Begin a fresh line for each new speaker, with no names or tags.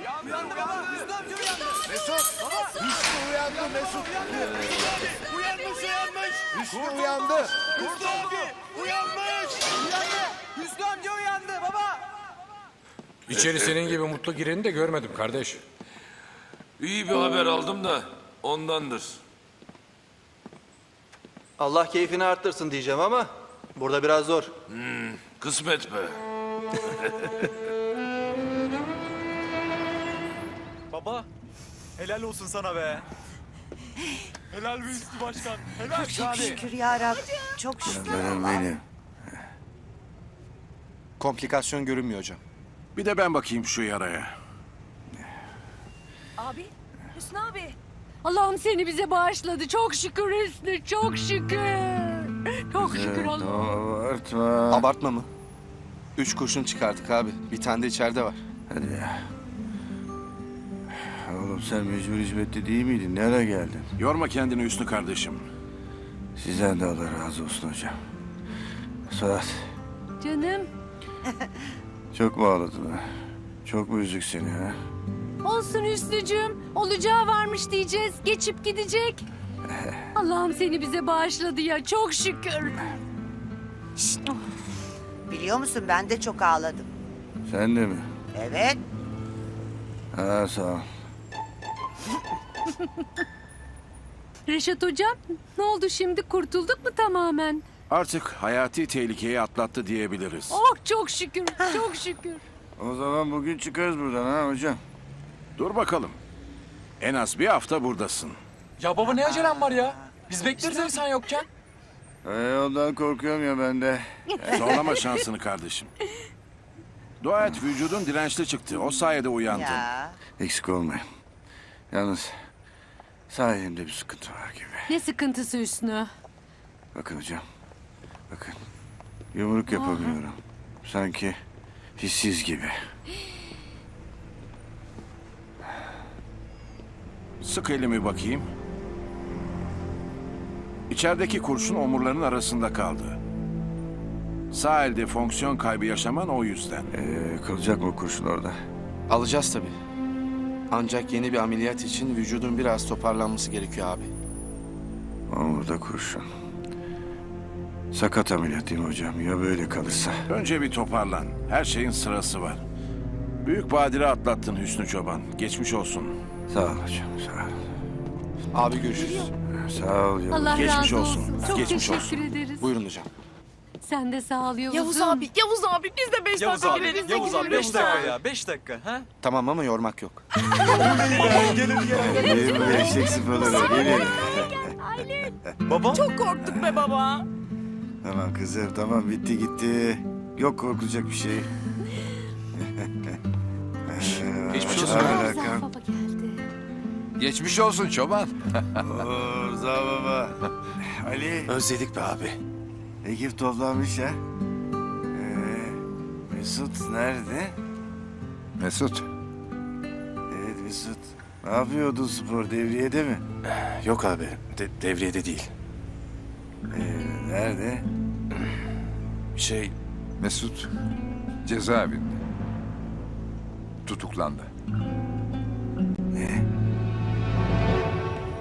Uyandı baba. Hüsnü amca uyandı.
Mesut! Hüsnü uyandı Mesut!
Uyanmış.
Hüsnü uyandı!
Hüsnü abi uyanmış. Hüsnü amca uyandı baba.
İçeri senin gibi mutlu gireni de görmedim kardeş.
İyi bir haber aldım da ondandır.
Allah keyfini arttırsın diyeceğim ama burada biraz zor.
Kısmet be.
Baba, helal olsun sana be. Helal be Üstü Başkan. Helal.
Çok şükür ya Rabbim. Çok şükür.
Benim.
Komplikasyon görünmüyor hocam.
Bir de ben bakayım şu yaraya.
Abi, Hüsnü abi. Allah'ım seni bize bağışladı. Çok şükür Hüsnü, çok şükür. Çok şükür Allah'ım.
Abartma.
Abartma mı? 3 kurşun çıkardık abi. Bir tane de içeride var.
Hadi ya. Oğlum sen mecbur hizmette değil miydin? Nereye geldin? Yorma kendini Hüsnü kardeşim. Sizden de Allah razı olsun hocam. Suat,
Canım,
çok mu ağladın ha? Çok mu üzdük seni ha?
olsun Hüsnücüğüm. Olacağı varmış diyeceğiz. Geçip gidecek. Allah'ım seni bize bağışladı ya. Çok şükür.
Biliyor musun ben de çok ağladım.
Sen de mi?
Evet.
Ha sağ ol.
Reşat hocam, ne oldu şimdi? Kurtulduk mu tamamen?
Artık hayati tehlikeyi atlattı diyebiliriz.
Oh çok şükür, çok şükür.
O zaman bugün çıkarız buradan ha hocam.
Dur bakalım. En az bir hafta buradasın.
Ya baba ne acelem var ya? Biz bekleriz evi sen yokken.
Ondan korkuyorum ya ben de.
Zorlama şansını kardeşim. Dua et vücudun dirençli çıktı. O sayede uyandın.
Ya.
Eksik olmayın. Yalnız sağ elimde bir sıkıntı var gibi.
Ne sıkıntısı Hüsnü?
Bakın hocam. Bakın. Yumruk yapamıyorum. Sanki hissiz gibi.
Sık elimi bakayım. İçerideki kurşun omurların arasında kaldı. Sağ elde fonksiyon kaybı yaşaman o yüzden.
Kalacak mı o kurşun orada?
Alacağız tabii. Ancak yeni bir ameliyat için vücudun biraz toparlanması gerekiyor abi.
Omurda kurşun. Sakat ameliyat değil mi hocam? Ya böyle kalırsa?
Önce bir toparlan. Her şeyin sırası var. Büyük badire atlattın Hüsnü Çoban. Geçmiş olsun.
Sağ ol hocam, sağ ol.
Abi görüşürüz.
Sağ ol yavrum.
Allah
Geçmiş
razı
olsun.
olsun. Çok
Geçmiş
teşekkür
olsun.
ederiz.
Buyurun hocam.
Sen de sağ ol Yavuz'um.
Yavuz abi biz de 5
Yavuz
dakika
abi,
gireriz.
Yavuz abi 5 dakika ya 5 dakika ha?
Tamam ama yormak yok.
İyi bu eşek sıfaları. Gelin.
Baba?
Çok korktuk be baba.
Tamam kızım, tamam bitti gitti. Yok korkulacak bir şey.
Geçmiş
olsun.
Rıza baba geldi.
Geçmiş olsun çoban.
Oo, Rıza baba. Ali.
Özledik be abi.
Ekip toplanmış ha. Mesut nerede?
Mesut.
Evet Mesut. Ne yapıyordun spor devriyede mi?
Yok abi. Devriyede değil.
Nerede?
Mesut cezaevinde. Tutuklandı.